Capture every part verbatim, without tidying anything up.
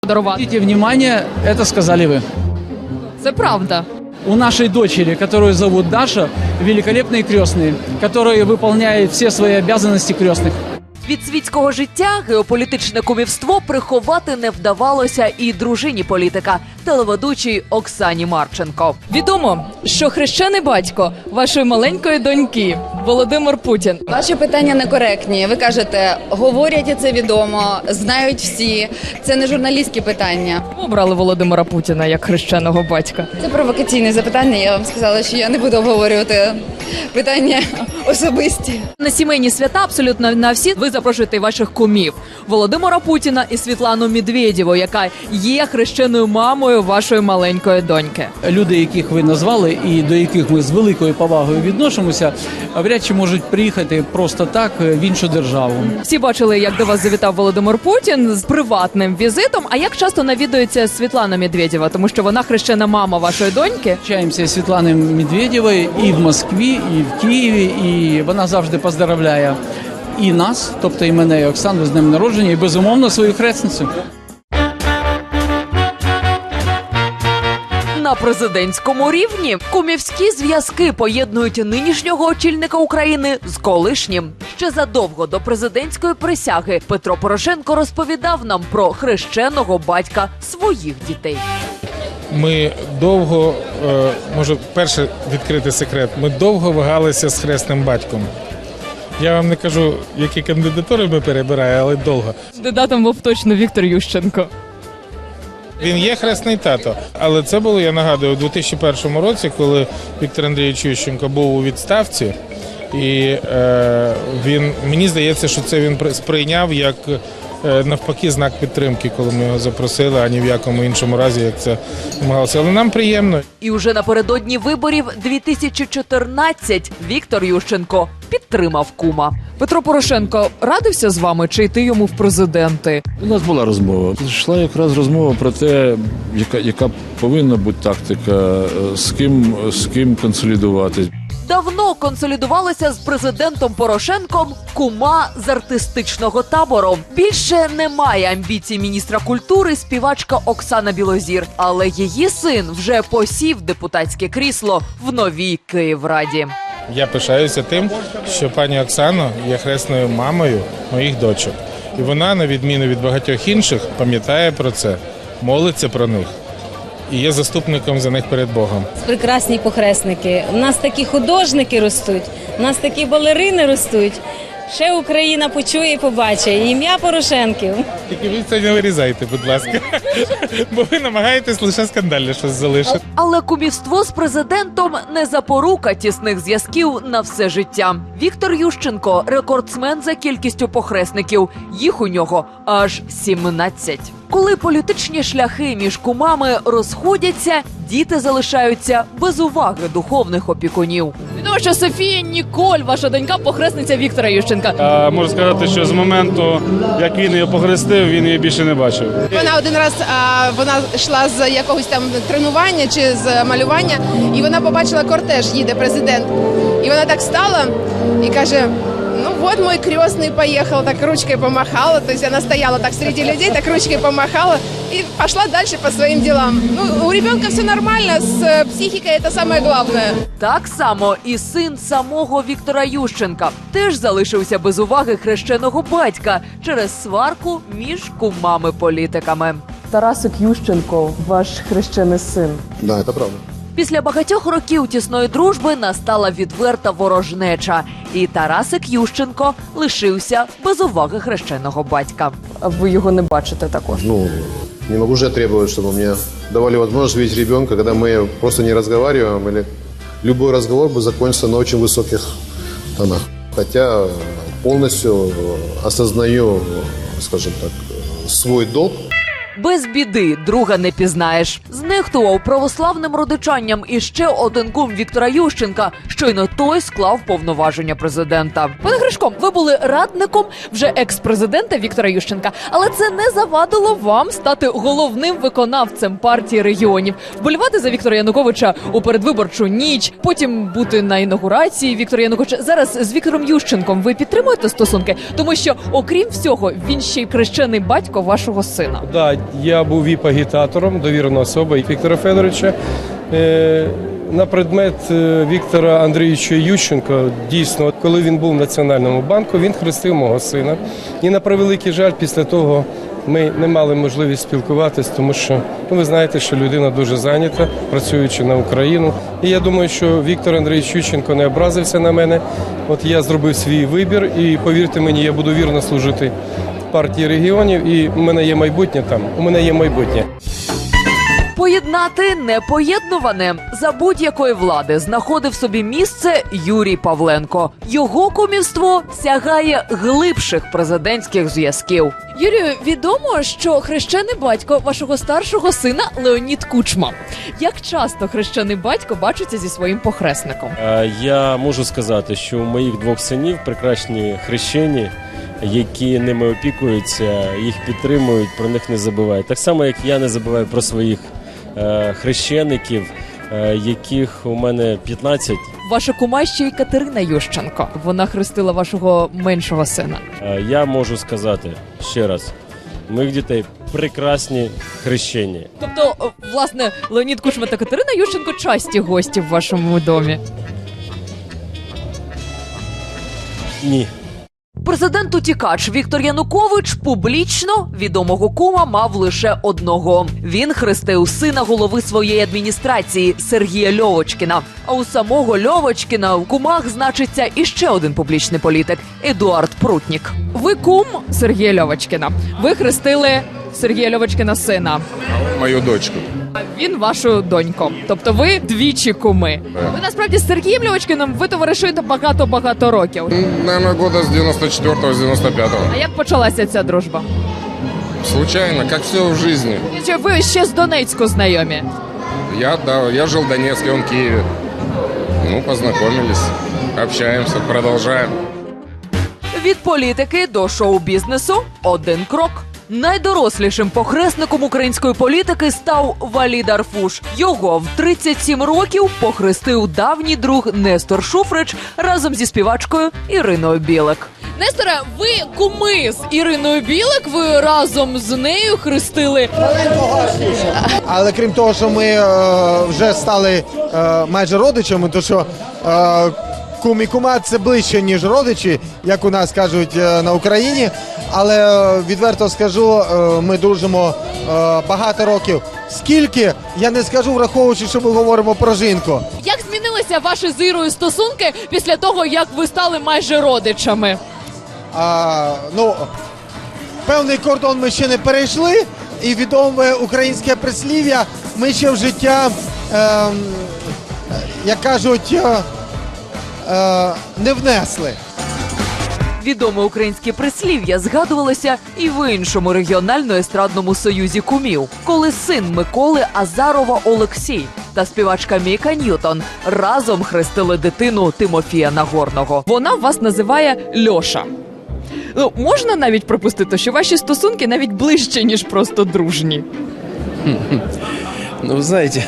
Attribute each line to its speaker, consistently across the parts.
Speaker 1: Обратите внимание, это сказали вы.
Speaker 2: Це правда.
Speaker 1: У нашей дочери, которую зовут Даша, великолепные крестные, которые выполняют все свои обязанности крестных.
Speaker 3: Від світського життя геополітичне кумівство приховати не вдавалося і дружині політика, телеведучій Оксані Марченко.
Speaker 2: Відомо, що хрещений батько вашої маленької доньки Володимир Путін.
Speaker 4: Ваші питання некоректні. Ви кажете, говорять, і це відомо, знають всі. Це не журналістські питання.
Speaker 2: Чому обрали Володимира Путіна як хрещеного батька?
Speaker 4: Це провокаційне запитання. Я вам сказала, що я не буду обговорювати питання особисті.
Speaker 3: На сімейні свята абсолютно на всі ви запрошуєте ваших кумів Володимира Путіна і Світлану Медведєву, яка є хрещеною мамою вашої маленької доньки.
Speaker 1: Люди, яких ви назвали і до яких ми з великою повагою відносимося, вряд чи можуть приїхати просто так в іншу державу.
Speaker 2: Всі бачили, як до вас завітав Володимир Путін з приватним візитом. А як часто навідується Світлана Медведєва, тому що вона хрещена мама вашої доньки?
Speaker 1: Общаємося з Світланою Медведєвою і в Москві, і в Києві, і вона завжди поздравляє і нас, тобто і мене, і Оксану з днем народження, і безумовно свою хресницю.
Speaker 3: На президентському рівні кумівські зв'язки поєднують нинішнього очільника України з колишнім. Ще задовго до президентської присяги Петро Порошенко розповідав нам про хрещеного батька своїх дітей.
Speaker 5: Ми довго, може, перше відкрити секрет, ми довго вагалися з хресним батьком. Я вам не кажу, які кандидатури ми перебираємо, але довго.
Speaker 2: Кандидатом був точно Віктор Ющенко.
Speaker 5: Він є хресний тато, але це було, я нагадую, у дві тисячі першому році, коли Віктор Андрійович Ющенко був у відставці, і е, він, мені здається, що це він сприйняв як е, навпаки знак підтримки, коли ми його запросили, а ні в якому іншому разі, як це намагалося. Але нам приємно.
Speaker 3: І уже напередодні виборів дві тисячі чотирнадцять Віктор Ющенко підтримав кума.
Speaker 2: Петро Порошенко радився з вами чи йти йому в президенти?
Speaker 6: У нас була розмова. Йшла якраз розмова про те, яка, яка повинна бути тактика, з ким, з ким консолідуватись.
Speaker 3: Давно консолідувалася з президентом Порошенком кума з артистичного табору. Більше немає амбіцій міністра культури співачка Оксана Білозір, але її син вже посів депутатське крісло в новій Київраді.
Speaker 5: Я пишаюся тим, що пані Оксана є хресною мамою моїх дочок. І вона, на відміну від багатьох інших, пам'ятає про це, молиться про них і є заступником за них перед Богом.
Speaker 7: Прекрасні похресники. У нас такі художники ростуть, у нас такі балерини ростуть. Ще Україна почує і побачить ім'я Порошенків.
Speaker 5: Тільки ви це не вирізайте, будь ласка, бо ви намагаєтесь лише скандальне щось залишити.
Speaker 3: Але кумівство з президентом не запорука тісних зв'язків на все життя. Віктор Ющенко – рекордсмен за кількістю похресників. Їх у нього аж сімнадцять. Коли політичні шляхи між кумами розходяться, діти залишаються без уваги духовних опікунів.
Speaker 2: Відомо, що Софія Ніколь, ваша донька, похресниця Віктора Ющенка.
Speaker 8: А, можу сказати, що з моменту, як він її похрестив, він її більше не бачив.
Speaker 9: Вона один раз а, вона йшла з якогось там тренування чи з малювання, і вона побачила кортеж, їде президент. І вона так стала і каже: ну вот мой крестный поехал, так ручкой помахала, то есть она стояла так среди людей, так ручкой помахала и пошла дальше по своим делам. Ну, у ребенка все нормально, с психикой это самое главное.
Speaker 3: Так само і син самого Віктора Ющенка теж залишився без уваги хрещеного батька через сварку між кумами-політиками.
Speaker 2: Тарасик Ющенко, ваш хрещений син.
Speaker 10: Да, это правда.
Speaker 3: Після багатьох років тісної дружби настала відверта ворожнеча. І Тарасик Ющенко лишився без уваги хрещеного батька.
Speaker 2: А ви його не бачите також?
Speaker 10: Ну, не могу же я требовать, чтобы мне давали возможность видеть ребенка, когда мы просто не разговариваем, или любой разговор бы закончился на очень высоких тонах. Хотя полностью осознаю, скажем так, свой долг.
Speaker 3: Без біди друга не пізнаєш. Знехтував православним родичанням і ще один кум Віктора Ющенка. Щойно той склав повноваження президента.
Speaker 2: Пане Гришко, ви були радником вже екс-президента Віктора Ющенка, але це не завадило вам стати головним виконавцем партії регіонів, вболівати за Віктора Януковича у передвиборчу ніч, потім бути на інаугурації Віктора Януковича. Зараз з Віктором Ющенком ви підтримуєте стосунки? Тому що, окрім всього, він ще й хрещений батько вашого сина.
Speaker 1: Да,
Speaker 11: Я був віп-агітатором, довірена особа Віктора Федоровича. Е, На предмет е, Віктора Андрійовича Ющенка, дійсно, коли він був в Національному банку, він хрестив мого сина. І на превеликий жаль, після того ми не мали можливість спілкуватись, тому що, ну, ви знаєте, що людина дуже зайнята, працюючи на Україну. І я думаю, що Віктор Андрійович Ющенко не образився на мене. От я зробив свій вибір і, повірте мені, я буду вірно служити партії регіонів, і в мене є майбутнє там, у мене є майбутнє.
Speaker 3: Поєднати непоєднуване. За будь-якої влади знаходив собі місце Юрій Павленко. Його кумівство сягає глибших президентських зв'язків.
Speaker 2: Юрію, відомо, що хрещений батько вашого старшого сина Леонід Кучма. Як часто хрещений батько бачиться зі своїм похресником?
Speaker 12: Е, Я можу сказати, що у моїх двох синів прекрасні хрещені, які ними опікуються, їх підтримують, про них не забувають. Так само, як я не забуваю про своїх е, хрещеників, е, яких у мене п'ятнадцять.
Speaker 2: Ваша кума ще й Катерина Ющенко. Вона хрестила вашого меншого сина.
Speaker 12: Е, я можу сказати ще раз, у моїх дітей прекрасні хрещені.
Speaker 2: Тобто, власне, Леонід Кучма та Катерина Ющенко часті гості в вашому домі?
Speaker 12: Ні.
Speaker 3: Президент-утікач Віктор Янукович публічно відомого кума мав лише одного. Він хрестив сина голови своєї адміністрації Сергія Льовочкіна. А у самого Льовочкіна в кумах значиться іще один публічний політик – Едуард Прутнік.
Speaker 2: Ви кум Сергія Льовочкіна. Ви хрестили Сергія Льовочкіна сина.
Speaker 13: Мою дочку.
Speaker 2: А він вашу доньку. Тобто ви двічі куми. Ви насправді з Сергієм Льовочкіним ви товаришуєте багато-багато років.
Speaker 13: Наверное, года с девяносто четвёртого, с девяносто пятого.
Speaker 2: А як почалася ця дружба?
Speaker 13: Случайно, как все в жизни.
Speaker 2: Чи ви ще з Донецьку знайомі?
Speaker 13: Я, да, я жил в Донецке, он в Киеве. Ну, познакомились, общаемся, продолжаем.
Speaker 3: Від політики до шоу-бізнесу – один крок. Найдорослішим похресником української політики став Валід Арфуш. Його в тридцять сім років похрестив давній друг Нестор Шуфрич разом зі співачкою Іриною Білик.
Speaker 2: Несторе, ви куми з Іриною Білик, ви разом з нею хрестили.
Speaker 14: Але крім того, що ми е, вже стали е, майже родичами, то що е, кум і кума – це ближче, ніж родичі, як у нас кажуть е, на Україні. Але е, відверто скажу, е, ми дружимо е, багато років. Скільки, я не скажу, враховуючи, що ми говоримо про жінку.
Speaker 2: Як змінилися ваші з Ірою стосунки після того, як ви стали майже родичами?
Speaker 14: А, ну, певний кордон ми ще не перейшли, і відоме українське прислів'я ми ще в життя, е, як кажуть, е, е, не внесли.
Speaker 3: Відоме українське прислів'я згадувалося і в іншому регіонально-естрадному союзі кумів, коли син Миколи Азарова Олексій та співачка Міка Ньютон разом хрестили дитину Тимофія Нагорного.
Speaker 2: Вона вас називає Льоша. Ну, можна навіть припустити, що ваші стосунки навіть ближче, ніж просто дружні?
Speaker 15: Ну, вы знаете,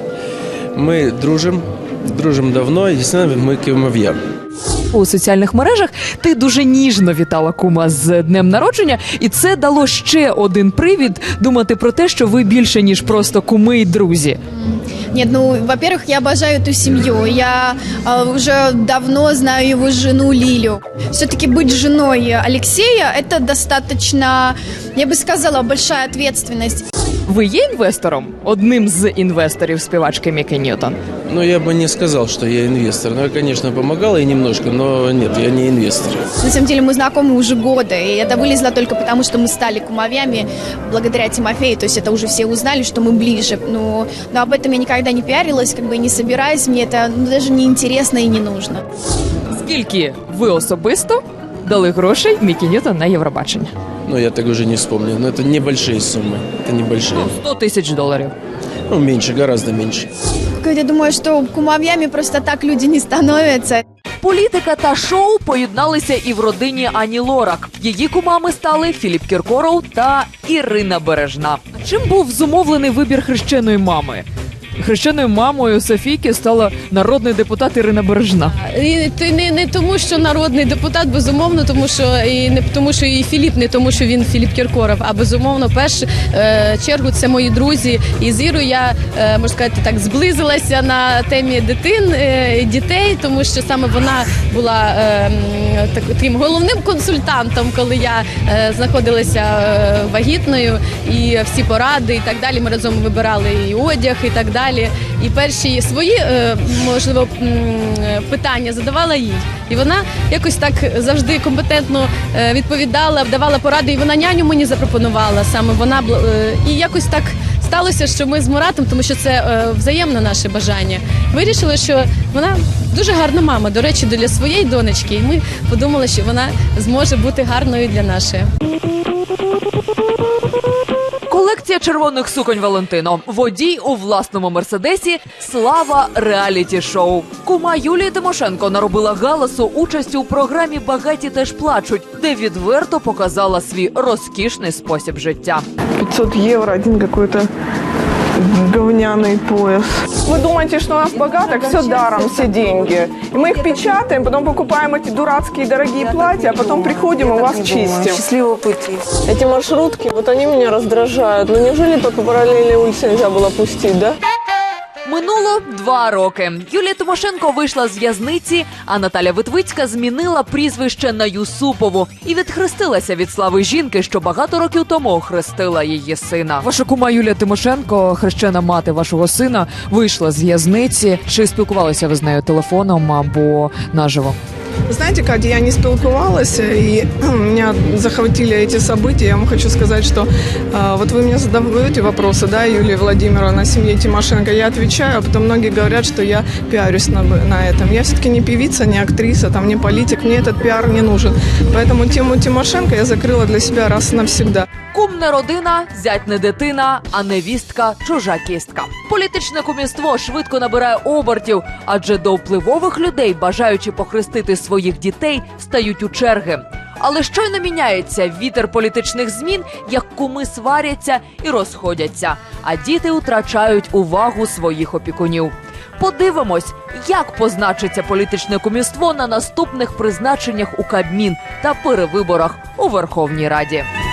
Speaker 15: мы дружим, дружим давно, и действительно мы кумовья.
Speaker 2: У соціальних мережах ти дуже ніжно вітала кума з днем народження, і це дало ще один привід думати про те, що ви більше, ніж просто куми і друзі.
Speaker 16: Нет, ну, во-первых, я обожаю эту семью. Я э, уже давно знаю его жену Лилю. Все-таки быть женой Алексея – это достаточно, я бы сказала, большая ответственность.
Speaker 2: Ви є інвестором? Одним з інвесторів співачки Міки Ньютон?
Speaker 15: Ну, я бы не сказал, что я инвестор. Ну, я, конечно, помогал ей немножко, но нет, я не инвестор.
Speaker 16: На самом деле мы знакомы уже годы, и это вылезло только потому, что мы стали кумовьями благодаря Тимофею, то есть это уже все узнали, что мы ближе. Но, но об этом я никогда не пиарилась, как бы не собираюсь, мне это ну, даже не интересно и не нужно.
Speaker 2: Скільки ви особисто дали грошей Мікі Ньютон на Євробачення?
Speaker 15: Ну, я так уже не вспомню. Но это небольшие суммы. Это небольшие.
Speaker 2: сто тисяч доларів.
Speaker 15: Ну, меньше, гораздо меньше.
Speaker 16: Я думаю, что кумовьями просто так люди не становятся.
Speaker 3: Політика та шоу поєдналися і в родині Ані Лорак. Її кумами стали Філіп Кіркоров та Ірина Бережна.
Speaker 2: Чим був зумовлений вибір хрещеної мами? Хрещеною мамою Софійки стала народний депутат Ірина Бережна.
Speaker 17: І це не, не тому, що народний депутат, безумовно, тому що і не тому, що і Філіп, не тому, що він Філіп Кіркоров, а безумовно, в першу е, чергу це мої друзі. І з Ірою я, е, можна сказати, так зблизилася на темі дитин, е, дітей, тому що саме вона була е, так, таким головним консультантом, коли я е, знаходилася е, вагітною, і всі поради і так далі. Ми разом вибирали і одяг, і так далі. І перші свої, е, можливо, питання задавала їй. І вона якось так завжди компетентно е, відповідала, давала поради, і вона няню мені запропонувала саме вона. Е, і якось так сталося, що ми з Муратом, тому що це е, взаємне наше бажання, вирішили, що вона дуже гарна мама, до речі, для своєї донечки. І ми подумали, що вона зможе бути гарною для нашої.
Speaker 3: Колекція червоних суконь Валентино. Водій у власному мерседесі. Слава реаліті-шоу. Кума Юлії Тимошенко наробила галасу участю у програмі «Багаті теж плачуть», де відверто показала свій розкішний спосіб життя.
Speaker 18: пятьсот евро, один какой-то говняный пояс. Вы думаете, что у нас богатых все даром, все деньги. И мы их печатаем, потом покупаем эти дурацкие дорогие платья, а потом приходим и вас чистим.
Speaker 19: Счастливого пути.
Speaker 18: Эти маршрутки, вот они меня раздражают. Ну неужели по параллельной улице нельзя было пустить, да?
Speaker 3: Минуло два роки. Юлія Тимошенко вийшла з в'язниці, а Наталя Витвицька змінила прізвище на Юсупову і відхрестилася від слави жінки, що багато років тому хрестила її сина.
Speaker 2: Ваша кума Юлія Тимошенко, хрещена мати вашого сина, вийшла з в'язниці. Чи спілкувалися ви з нею телефоном або наживо?
Speaker 18: Знаете, Катя, я не спілкувалась, и меня захватили эти события. Я вам хочу сказать, что а, вот вы мне задаете вопросы, да, Юлия Владимировна, о семье Тимошенко. Я отвечаю, а потом многие говорят, что я пиарюсь на, на этом. Я все-таки не певица, не актриса, там, не политик, мне этот пиар не нужен. Поэтому тему Тимошенко я закрыла для себя раз и навсегда.
Speaker 3: Кум не родина, зять не дитина, а невістка – чужа кістка. Політичне кумівство швидко набирає обертів, адже до впливових людей, бажаючи похрестити своїх дітей, стають у черги. Але щойно міняється вітер політичних змін, як куми сваряться і розходяться, а діти втрачають увагу своїх опікунів. Подивимось, як позначиться політичне кумівство на наступних призначеннях у Кабмін та перевиборах у Верховній Раді.